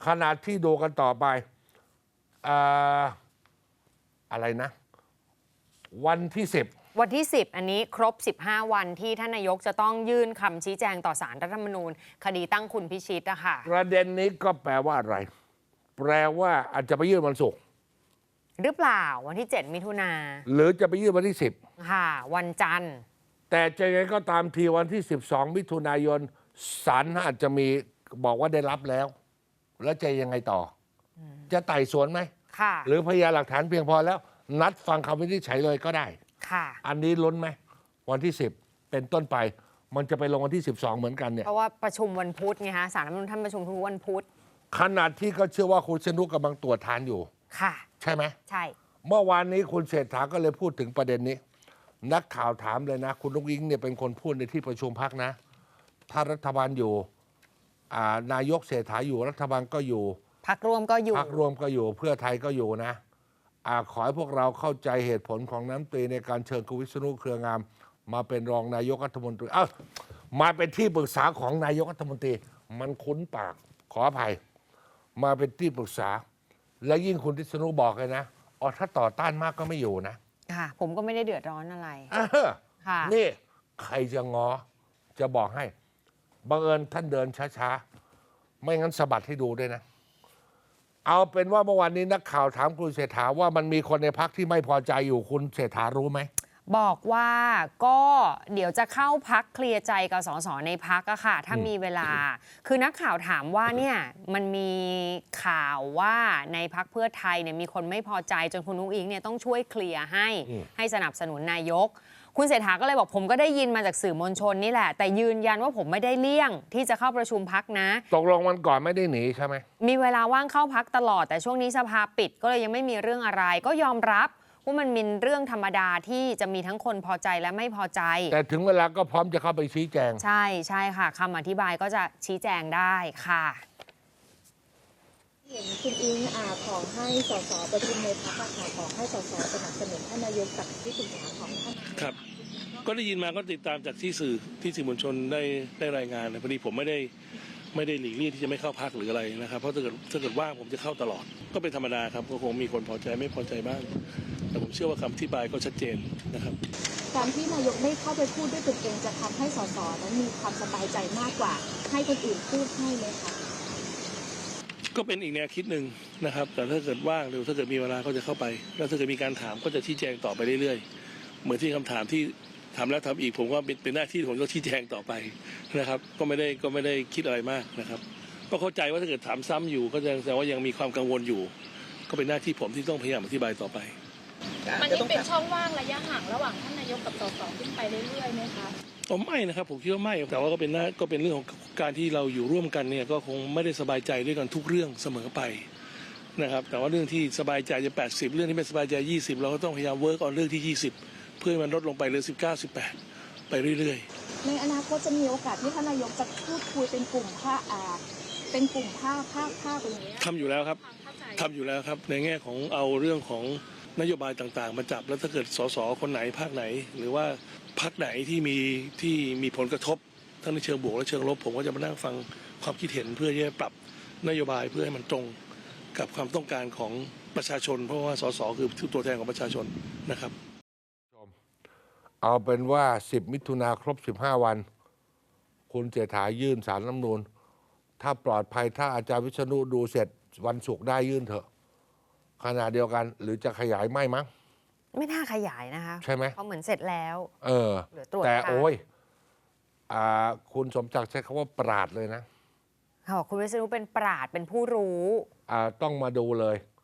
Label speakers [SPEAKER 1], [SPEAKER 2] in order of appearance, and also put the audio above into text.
[SPEAKER 1] ขณะที่ดูกันต่อไปอ่าอะไรนะ วันที่10
[SPEAKER 2] วันที่ 10 อันนี้ครบ 15 วันที่ท่านนายกจะต้องยื่นคำชี้แจงต่อศาลรัฐธรรมนูญคดีตั้งคุณพิชิตอะค่ะ
[SPEAKER 1] ประเด็นนี้ก็แปลว่าอะไร แปลว่าอาจจะไปยื่นวันศุกร์
[SPEAKER 2] หรือเปล่าวันที่ 7 มิถุนา
[SPEAKER 1] หรือจะไปยื่นวันที่
[SPEAKER 2] ค่ะ วันจันทร์
[SPEAKER 1] 10แต่จะยังไงก็ตามทีวันที่12มิถุนายนศาลอาจจะมีบอกว่าได้รับแล้ว แล้วจะยังไงต่อจะไต่สวนไหม
[SPEAKER 2] ค่ะ
[SPEAKER 1] หรือพยานหลักฐานเพียงพอแล้ว นัดฟังคำวินิจฉัยเลยก็ได้
[SPEAKER 2] ค่ะ
[SPEAKER 1] อันนี้ลุ้นไหมวันที่10เป็นต้นไป มันจะไปลงวันที่12เหมือนกันเนี่ย
[SPEAKER 2] เพราะว่าประชุมวันพุธไงคะศาลรัฐธรรมนูญท่านประชุมทุกวันพุธ
[SPEAKER 1] ขนาดที่ก็เชื่อว่าคุณชนุกกำลังตรวจทานอยู่
[SPEAKER 2] ค่ะ
[SPEAKER 1] ใช่ไหม
[SPEAKER 2] ใช่
[SPEAKER 1] เมื่อวานนี้คุณเศรษฐาก็เลยพูดถึงประเด็นนี้ นักข่าวถามเลยนะ คุณนุ้งอิงเนี่ยเป็นคนพูดในที่ประชุมพักนะ ถ้ารัฐบาลอยู่นายกเศรษฐาอยู่รัฐบาลก็อยู่
[SPEAKER 2] พักร่วมก็อยู่
[SPEAKER 1] พักรวมก็อยู่เพื่อไทยก็อยู่นะขอให้พวกเราเข้าใจเหตุผลของน้ำตรีในการเชิญคุณวิษณุเครืองาม มาเป็นรองนายกรัฐมนตรีมาเป็นที่ปรึกษาของนายกรัฐมนตรี มันคุ้นปากขออภัย มาเป็นที่ปรึกษา และยิ่งคุณวิษณุบอกเลยนะถ้าต่อต้านมากก็ไม่อยู่นะ
[SPEAKER 2] ค่ะ ผมก็ไม่ได้เดือดร้อนอะไร ค่ะ
[SPEAKER 1] นี่ใครจะงอจะบอกให้บังเอิญท่านเดินช้าๆ ไม่งั้นสะบัดให้ดูด้วยนะ เอาเป็นว่าเมื่อวานนี้นักข่าวถามคุณเศรษฐาว่ามันมีคนในพักที่ไม่พอใจอยู่คุณเศรษฐารู้ไหม
[SPEAKER 2] บอกว่าก็เดี๋ยวจะเข้าพักเคลียร์ใจกับสสในพักอะค่ะ ถ้ามีเวลา คือนักข่าวถามว่าเนี่ยมันมีข่าวว่าในพักเพื่อไทยเนี่ยมีคนไม่พอใจจนคุณนุ้งอิงเนี่ยต้องช่วยเคลียร์ให้สนับสนุนนายก คุณเศรษฐาก็เลยบอกผมก็ได้ยินมาจากสื่อมวลชนนี่แหละ แต่ยืนยันว่าผมไม่ได้เลี่ยงที่จะเข้าประชุมพักนะ
[SPEAKER 1] ตกลงวันก่อนไม่ได้หนีใช่ไหม
[SPEAKER 2] มีเวลาว่างเข้าพักตลอดแต่ช่วงนี้สภาปิดก็เลยยังไม่มีเรื่องอะไร ก็ยอมรับว่ามันเป็นเรื่องธรรมดาที่จะมีทั้งคนพอใจและไม่พอใจ
[SPEAKER 1] แต่ถึงเวลาก็พร้อมจะเข้าไปชี้แจง
[SPEAKER 2] ใช่ใช่ค่ะคำอธิบายก็จะชี้แจงได้ค่ะ
[SPEAKER 3] เห็นคุณอิงขอให้สสประชุมในพรรคขอให้สสสนับสนุนท่านนายกกับที่ปรึกษาของท่าน
[SPEAKER 4] ครับ ก็ได้ยินมาก็ติดตามจากที่สื่อมวลชนได้รายงานนะพอดีผมไม่ได้หลีกเลี่ยงที่จะไม่เข้าพักหรืออะไรนะครับเพราะถ้าเกิดว่างผมจะเข้าตลอด ก็เป็นธรรมดาครับก็คงมีคนพอใจไม่พอใจบ้างแต่ผมเชื่อว่าคำอธิบายก็ชัดเจนนะครับ
[SPEAKER 3] การที่นายกไม่เข้าไปพูดด้วยตนเองจะทำให้สสนั้นมีความสบายใจมากกว่า ให้คนอื่นพูดให้ไหมคะ
[SPEAKER 4] ก็เป็นอีกแนวคิดหนึ่งนะครับแต่ถ้าเกิดว่างหรือถ้าเกิดมีเวลาก็จะเข้าไปแล้วถ้าเกิดมีการถามก็จะชี้แจงต่อไปเรื่อยๆเหมือนที่คำถามที่ทำแล้วทำอีกผมว่าเป็นหน้าที่ผมต้องชี้แจงต่อไปนะครับก็ไม่ได้คิดอะไรมากนะครับก็เข้าใจว่าถ้าเกิดถามซ้ำอยู่ก็แสดงว่ายังมีความกังวลอยู่ ก็เป็นหน้าที่ผมที่ต้องพยายามอธิบายต่อไป
[SPEAKER 5] มันยังเป็นช่องว่างระยะห่างระหว่างท่านนายกกับสสขึ้นไปเรื่อยๆไหมคะ
[SPEAKER 4] ไม่นะครับผมคิดว่าไม่แต่ว่าก็เป็นเรื่องของการที่เราอยู่ร่วมกันเนี่ยก็คงไม่ได้สบายใจด้วยกันทุกเรื่องเสมอไปนะครับแต่ว่าเรื่องที่สบายใจจะ80เรื่องที่ไม่สบายใจ20เราก็ต้องพยายามเวิร์กเอาเรื่องที่20เพื่อให้มันลดลงไปเหลือ19 18ไปเรื่อย
[SPEAKER 3] ๆในอนาคตจะมีโอกาสที่ท่านนายกจะพูดคุยเป็นกลุ่มภาคอย่างนี้
[SPEAKER 4] ทำอยู่แล้วครับในแง่ของเอาเรื่องของนโยบายต่างๆมาจับแล้วถ้าเกิดสสคนไหนภาคไหนหรือว่าพรรคไหนที่มีผลกระทบทั้งในเชิงบวกและเชิงลบผมก็จะมานั่งฟังความคิดเห็นเพื่อจะปรับนโยบายเพื่อให้มันตรงกับความต้องการของประชาชนเพราะว่าสสคือตัวแทนของประชาชนนะครับ
[SPEAKER 1] เอาเป็นว่า10มิถุนาครบ15วันคุณเศรษฐายื่นศาลรัฐธรรมนูญถ้าปลอดภัยถ้าอาจารย์วิษณุดูเสร็จวันศุกร์ได้ยื่นเถอะขณะเดียวกันหรือจะขยายไม่มั้ง
[SPEAKER 2] ไม่น่าขยายนะคะ
[SPEAKER 1] ใช่ไหม
[SPEAKER 2] เพราะเหมือนเสร็จแล้วเหลือตรวจ
[SPEAKER 1] แต่โอ้ยคุณสมศักดิ์ใช้คำว่าปราดเลยนะ
[SPEAKER 2] ค่ะคุณวิษณุเป็นปราดเป็นผู้รู้
[SPEAKER 1] ต้องมาดูเลย